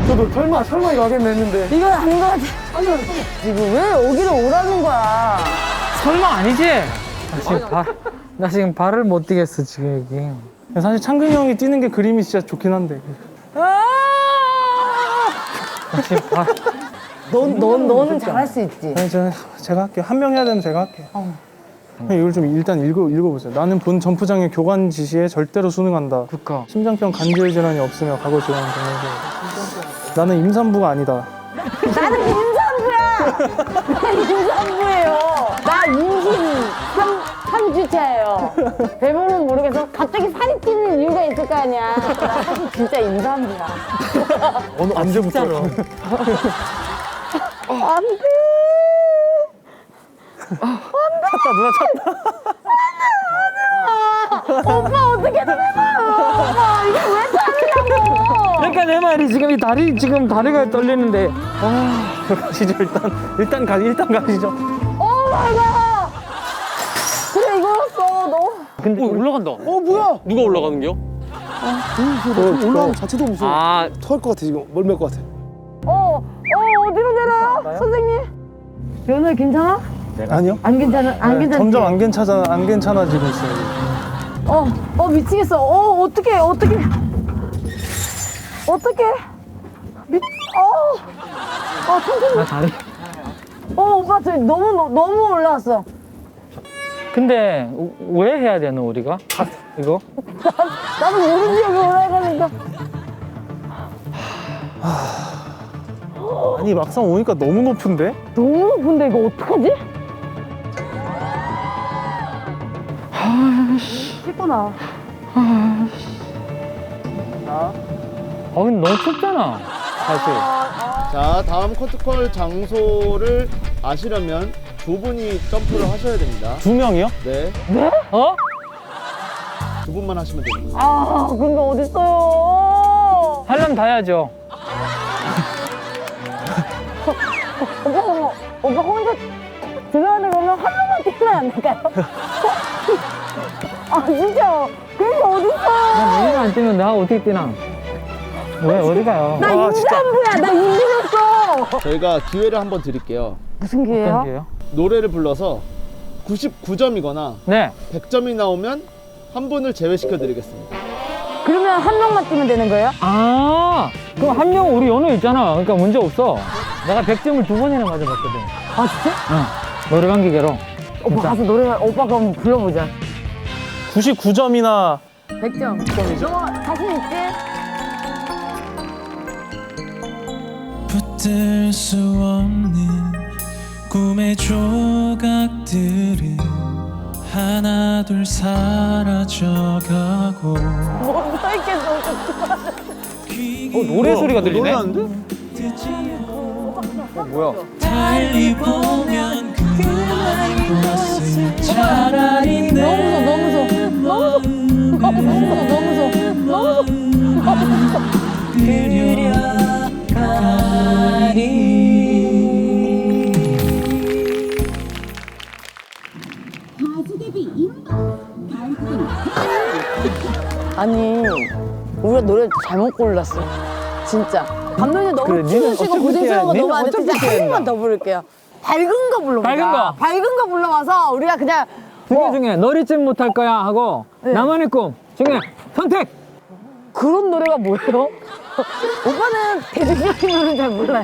저도 설마 이거 하겠네 했는데. 이건 아닌 것 같아. 지금 왜 여기로 오라는 거야? 설마 아니지? 나 지금 발을 못 뛰겠어 지금 여기. 사실 창근이 형이 뛰는 게 그림이 진짜 좋긴 한데. 아! 나 지금 너는 잘할 수 있지. 아니, 제가 할게요. 한 명 해야 되면 제가 할게요. 이걸 좀 일단 읽어보세요. 나는 본 점프장의 교관 지시에 절대로 순응한다. 그니까. 심장병 관절 질환이 없으며 과거 지원 경영서. 나는 임산부가 아니다. 나는 임산부야. 나 임산부예요. 나 임신 3주차예요. 대부분 모르겠어. 갑자기 살이 찌는 이유가 있을 거 아니야. 나 사실 진짜 임산부야. 어느 언제부터? 안 돼. 찾다 누나 찾다. 오빠 어떻게든 해봐요. 오빠 이게 왜 참냐고. 그러니까 내 말이 지금 다리가 떨리는데. 가시죠 일단 가시죠. 오 마이 갓. 그래 이거였어. 너. 근데 올라간다. 뭐야? 누가 올라가는겨? 올라가는 자체도 무서워. 아, 토할 것 같아 지금. 멀미할 것 같아. 어디로 내려요? 선생님? 연우 괜찮아? 아니요. 안 괜찮아? 안 괜찮지? 점점 안 괜찮아지고 있어요. 미치겠어. 어떡해. 천천히. 나 다리. 오빠 저 너무 올라왔어. 근데 왜 해야 되는 우리가? 이거? 나도 모르지 여기 올라가니까. 아니 막상 오니까 너무 높은데? 너무 높은데 이거 어떡하지? 씻고 나와. 근데 너무 춥잖아 사실. 자, 다음 커트콜 장소를 아시려면 두 분이 점프를 하셔야 됩니다. 2명이요? 네, 어? 두 분만 하시면 됩니다. 근데 어딨어요? 하려면 다 해야죠. 오빠 혼자 들어가는 거면 한 명만 뛰면 안 될까요? 진짜 그게 어딨어? 우리가 안 뛰면 내가 어떻게 뛰나? 왜 어디 가요? 나 임산부야. 나 임신했어. 저희가 기회를 한번 드릴게요. 무슨 기회야? 어떤 게요? 노래를 불러서 99점이거나 네. 100점이 나오면 한 분을 제외시켜 드리겠습니다. 그러면 한 명만 뛰면 되는 거예요? 그럼 한 명 우리 연우 있잖아. 그러니까 문제 없어. 내가 100점을 2번이나 맞아봤거든. 진짜? 응. 노래방 기계로. 오빠 가서 노래 오빠 그럼 불러보자. 99점이나 100점. 너 자신 있지? 붙들 수 없는 꿈의 조각들은 하나둘 사라져가고 못 써있겠어. 노래 소리가 들리네? 뭐야? 달리 보면 그만 것을 차라리 내 너무 무서워. 아니 우리가 노래 잘못 골랐어 진짜. 감독님 너무 그래, 니는 춤추시고 어차피 고생스러운 거 뛰어야- 너무 안 돼. 니는 진짜 어차피 한 뛰어야 번만 더 부를게요. 밝은 거 불러보자. 밝은 거? 불러와서 우리가 그냥 두 개 중에 널 잊지 못할 거야 하고 나만의 꿈 중에 선택! 그런 노래가 뭐예요? 오빠는 대중적인 노래는 잘 몰라요.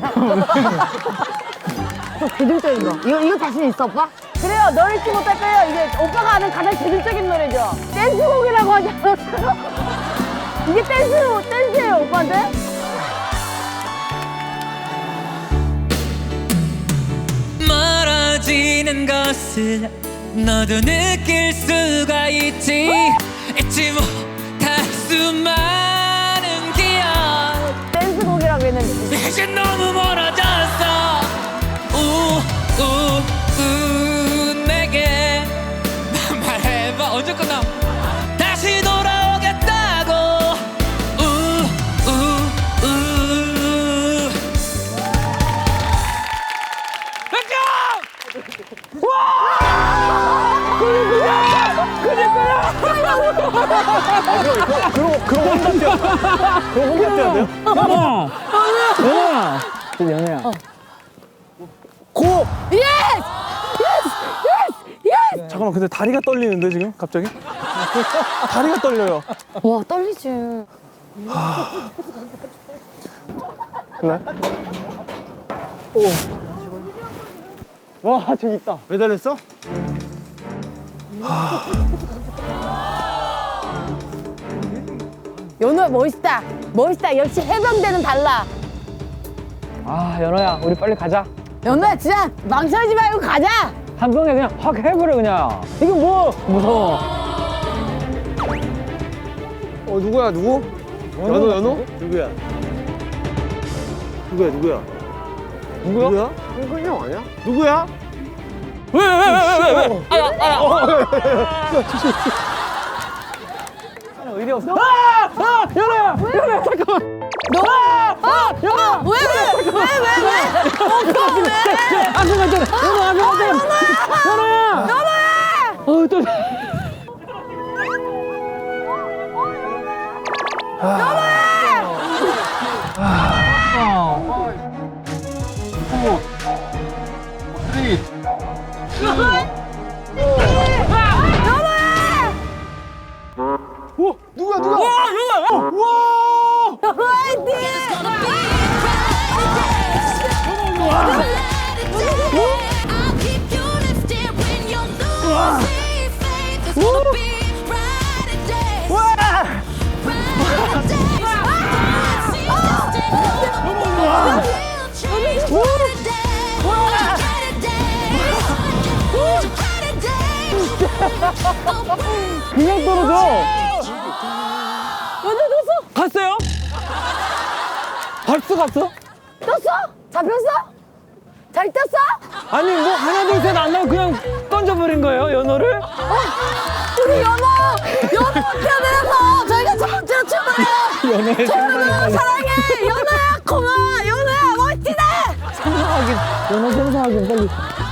대중적인 거. 이거 자신 있어, 오빠? 그래요. 널 잊지 못할 거예요. 이게 오빠가 아는 가장 대중적인 노래죠. 댄스곡이라고 하지 않았어요? 이게 댄스예요, 오빠한테? 멀어지는 것을 너도 느낄 수가 있지 잊지 못할 수많은 기억 댄스곡이라고 했는데. 이제 너무 멀어졌어 내게 말해봐 언제 끝나 다시 돌아오겠다고 그럼 혼자 뛰어야 돼요? 연호야. 저 연호야. 고! 예스! 잠깐만, 근데 다리가 떨리는데 지금 갑자기? 다리가 떨려요. 와, 떨리지. 그래? 와, 저기 있다. 매달렸어? 연우야, 멋있다. 멋있다. 역시 해병대는 달라. 아, 연호야, 우리 빨리 가자. 연우야, 진짜 망설이지 말고 가자. 한 병에 그냥 확 해버려, 그냥. 이게 뭐, 무서워. 누구야 누구? 연호? 누구야? 누구야? 누구야? 현근이 형 아니야? 누구야? 왜? 의리 없어. 연호야! 연호야, 잠깐만. 연우! 왜? 앞에 갔잖아. 연호야! 또. I'll keep you lifted when you're losing faith. It's gonna be brighter days. Brighter days. Brighter days. 그냥 떨어져. 갔어요? 벌써 갔어? 떴어? 잡혔어? 잘 떴어? 아니 뭐 하나 둘 셋 안 나오고 그냥 던져버린 거예요 연어를? 우리 연우 편에서 저희가 첫 번째로 출발해요. 연우 사랑해. 연우야 고마워. 연우야 멋지다. 생사하긴 연어 생사하긴 빨리